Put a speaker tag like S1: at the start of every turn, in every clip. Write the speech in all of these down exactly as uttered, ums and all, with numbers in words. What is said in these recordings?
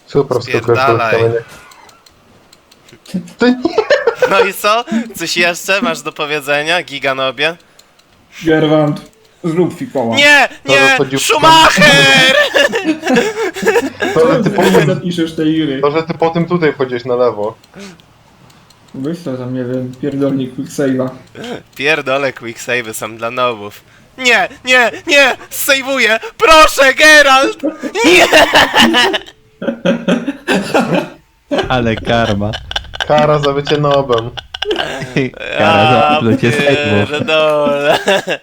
S1: Super,
S2: Spierdalaj.
S1: To nie.
S2: No i co? Coś jeszcze masz do powiedzenia, Giganobie?
S3: Gerwant, zrób fikoła.
S2: Nie! Nie!
S1: chodził-
S2: Schumacher!
S1: To, że ty po
S3: Nie
S1: tym,
S3: zapiszesz tej gry.
S1: to, że ty po tym tutaj wchodzisz na lewo.
S3: Weź to tam, nie wiem, pierdolnik quicksave'a.
S2: Pierdolę, quicksave'y są dla nowów. Nie, nie, nie! Sejwuję! Proszę, Geralt! Nie!
S4: Ale karma.
S1: Kara za bycie nobem.
S4: Kara za plucie sejmów.
S2: pierdolę.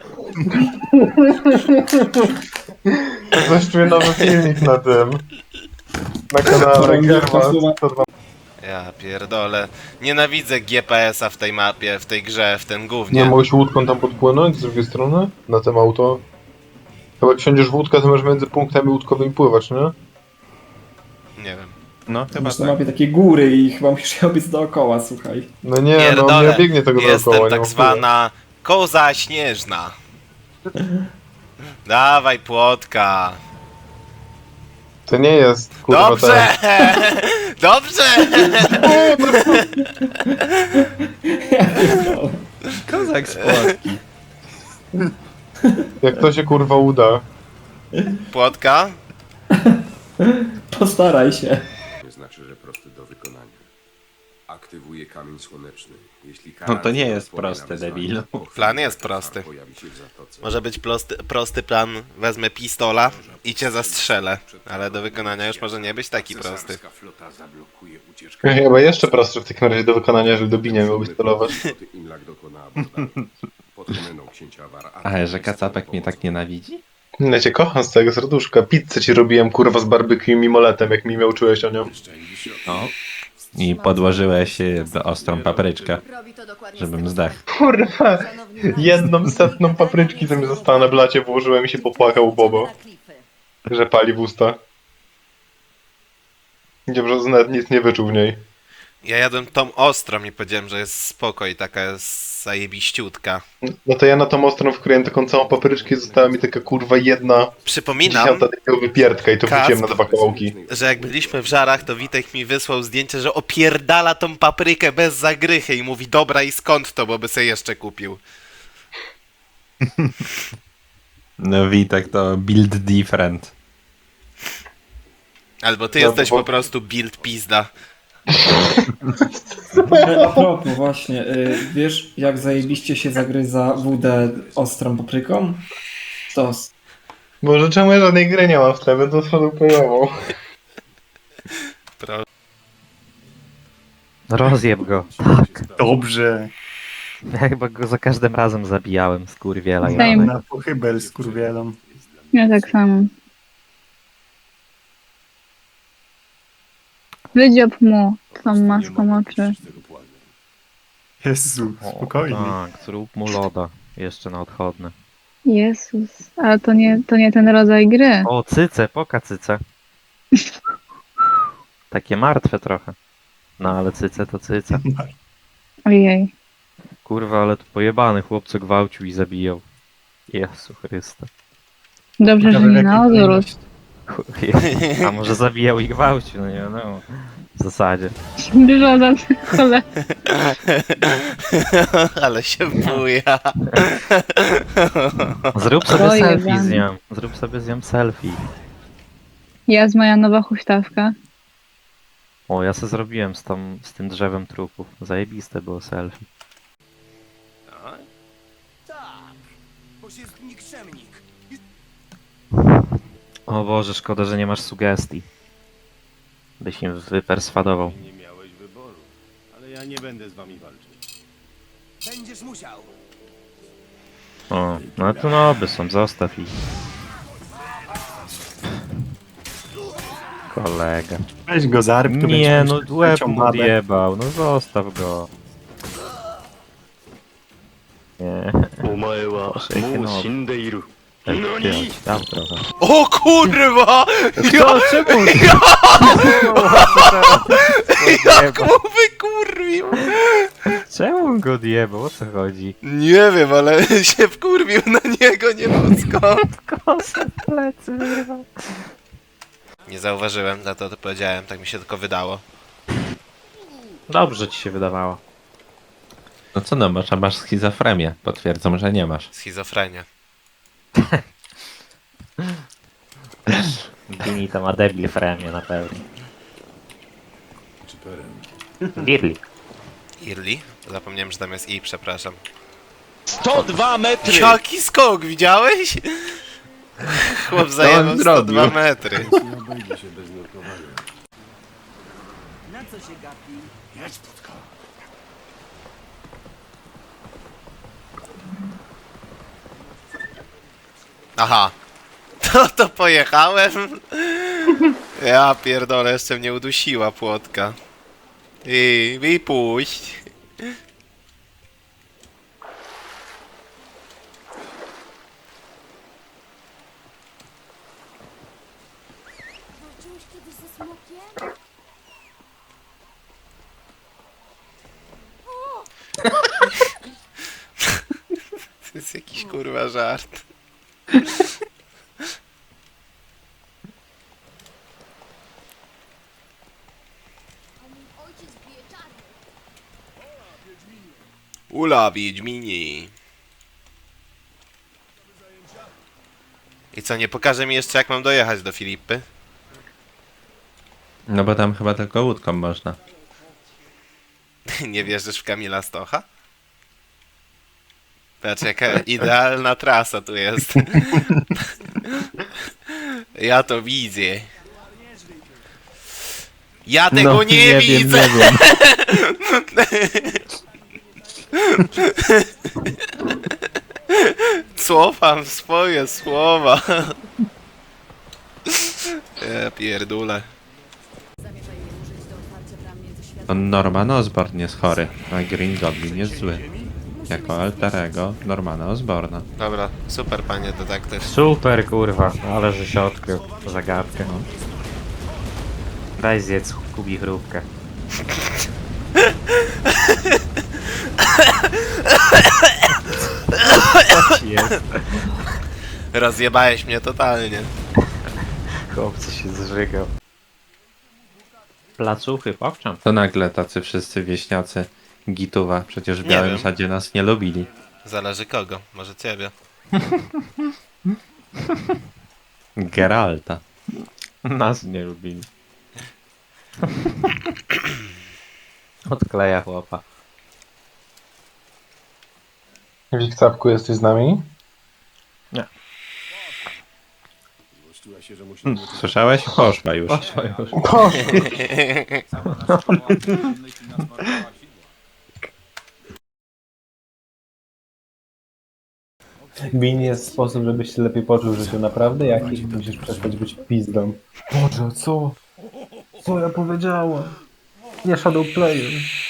S1: Coś czuję nowy filmik na tym. Na kanale Gerwant.
S2: Ja pierdolę. Nienawidzę G P S a w tej mapie, w tej grze, w tym
S1: Nie
S2: gównie.
S1: mogłeś łódką tam podpłynąć z drugiej strony? Na tym auto? Chyba jak wsiądziesz w łódkę, to możesz między punktami łódkowymi pływać, nie?
S2: Nie wiem.
S4: No chyba
S3: Masz na
S4: tak.
S3: mapie takie góry i chyba musisz je obiec dookoła, słuchaj.
S1: No nie, no
S2: Pierdolę.
S1: nie biegnie tego
S2: Jestem
S1: dookoła, nie
S2: tak
S1: ma
S2: zwana koza śnieżna. Dawaj płotka.
S1: wpływu. To nie jest, kurwa,
S2: Dobrze! Dobrze!
S4: Kozak z Płotki.
S1: ten. Jak to się kurwa uda.
S2: Płotka?
S3: Postaraj się.
S5: Nie znaczy, że prosty do wykonania. Aktywuje kamień słoneczny. Jeśli
S4: No to nie jest
S5: odpowie na
S4: proste,
S5: wyzwanie,
S4: debilu.
S5: po chwili
S2: Plan jest
S5: Katar
S2: prosty.
S5: pojawi się w zatoce.
S2: Może być prosty, prosty plan, wezmę pistola i cię zastrzelę. Ale do wykonania już może nie być taki prosty.
S5: Cesarska flota zablokuje ucieczkę.
S1: Chyba jeszcze prostsze w takim razie do wykonania, że do binia miałbyś celować.
S5: Floty Inlag dokona abordażu. Pod domeną księcia War-
S4: Ale że kacapek mnie tak nienawidzi?
S1: Ja cię kocham z całego serduszka. Pizzę ci robiłem kurwa z barbecue i mimoletem, jak mi miał czułeś o nią.
S4: No. I podłożyłeś y, ostrą papryczkę, żebym zdechł.
S1: Kurwa, jedną setną papryczki co mi została na blacie, włożyłem i się popłakał Bobo, że pali w usta. Nie, że nawet nic nie wyczuł w niej.
S2: Ja jadłem tą ostrą i powiedziałem, że jest spoko i taka jest zajebiściutka.
S1: No to ja na tą ostrą wkryłem taką całą papryczkę i została mi taka kurwa jedna
S2: Przypominam,
S1: dziesiąta takiego wypierdka i to
S2: Kacp.
S1: wrzuciłem na dwa kawałki.
S2: że jak byliśmy w Żarach, to Witek mi wysłał zdjęcie, że opierdala tą paprykę bez zagrychy i mówi, dobra i skąd to, bo by sobie jeszcze kupił.
S4: No Witek to build different.
S2: Albo ty
S1: No,
S2: jesteś
S1: bo-
S2: po prostu build pizda.
S3: A propos właśnie, y, wiesz jak zajebiście się zagryza wódę ostrą papryką? Stos.
S1: Może czemu ja żadnej gry nie mam w tle, to swoją pojawą.
S2: Pro...
S6: Rozjeb go. Tak.
S7: Dobrze.
S6: Ja chyba go za każdym razem zabijałem, skurwiela.
S8: Same.
S6: jebany.
S7: Na pochybel z kurwielą.
S8: Ja tak samo. Wydziob mu tą maską oczy.
S7: Jezu,
S6: O,
S7: spokojnie.
S6: tak, zrób mu loda. Jeszcze na odchodne.
S8: Jezus, ale to nie, to nie ten rodzaj gry.
S6: O, cyce, poka cyce. Takie martwe trochę. No ale cyce to cyce.
S8: Ojej.
S6: Kurwa, ale tu pojebany chłopco gwałcił i zabijał. Jezu Chryste.
S8: Dobrze, że
S7: Ciekawe, w
S8: nie
S7: jakiej
S8: na odwrót.
S7: kolejności.
S6: Chuj. A może zabijał i gwałcił, no nie wiadomo. W zasadzie.
S8: Dużo za cholera.
S2: Ale się buja.
S6: Zrób sobie
S8: Ojej,
S6: selfie
S8: Jan.
S6: z nią. Zrób sobie z nią selfie.
S8: Jest moja nowa huśtawka.
S6: O, ja se zrobiłem z, tam, z tym drzewem trupów. Zajebiste było selfie. O Boże, szkoda, że nie masz sugestii. Byś im wyperswadował.
S9: Nie miałeś wyboru, ale ja nie będę z wami walczyć.
S6: O, no to noby są, zostaw ich. Kolega.
S7: Weź go zarb, to
S6: Nie,
S7: będziesz
S6: no
S7: miał
S6: łeb
S7: trzecią
S6: mu
S7: babę.
S6: odjebał, no zostaw go. Nie,
S9: お前はもう死んでいる。
S6: tak ty dał trochę.
S2: O kurwa!
S6: To czemu?
S2: Jak mu wykurwił!
S6: Czemu go odjebał? O co chodzi?
S2: Nie wiem, ale się wkurwił na niego, nie wiem skąd.
S6: Kosę w plecy wyrwał.
S2: Nie zauważyłem, za to to powiedziałem, tak mi się tylko wydało.
S6: Dobrze ci się wydawało.
S4: No co no, może masz schizofrenię. Potwierdzam, że nie masz.
S2: Schizofrenia.
S6: Bini to ma debil fremie na pewno.
S5: Czy perem?
S6: Birli.
S2: Irli? Zapomniałem, że tam jest i, przepraszam.
S9: sto dwa metry!
S2: Jaki skok, widziałeś? Chłop zajebał sto
S4: zrobił?
S2: dwa metry.
S5: Nie obejdzie się bez nurkowania.
S2: Aha. To to pojechałem. Ja pierdolę, jeszcze mnie udusiła płotka. I wypuść.
S10: Walczyłeś kiedyś ze smokiem?
S2: To jest jakiś kurwa żart.
S10: A mój ojciec bije czarny.
S2: Ula, Wiedźmini. I co, nie pokaże mi jeszcze jak mam dojechać do Filipy?
S4: No bo tam chyba tylko łódką można.
S2: Nie wierzysz w Kamila Stocha? Patrz jaka idealna trasa tu jest. Ja to widzę. Ja tego
S4: No,
S2: nie,
S4: wiem,
S2: widzę!
S4: nie wiem.
S2: Cofam swoje słowa. Ja pierdolę.
S4: On Norman Osborn jest chory, a Green Goblin jest zły. Jako alterego Normana Osborna.
S2: Dobra, super panie detektyw.
S6: Super kurwa, ale że się odkrył zagadkę. Daj zjedz Kubi chrupkę. Co ci jest?
S2: Rozjebałeś mnie totalnie.
S6: Chłopcy się zżygał. Placuchy, pokczam.
S4: To nagle tacy wszyscy wieśniacy Gituwa, przecież w
S2: Nie
S4: Białym
S2: wiem.
S4: Sadzie nas nie lubili.
S2: Zależy kogo, może ciebie.
S4: Geralta.
S6: Nas nie lubili. Odkleja chłopa.
S1: Wikcapku, jesteś z nami?
S5: Złościła się, że musimy...
S4: Słyszałeś? Poszła już.
S6: Poszła już.
S11: Bin jest sposób, żebyś się lepiej poczuł w życiu. Naprawdę? Jaki? Musisz przestać być pizdą. Boże, co? Co ja powiedziałem? Nie shadow player.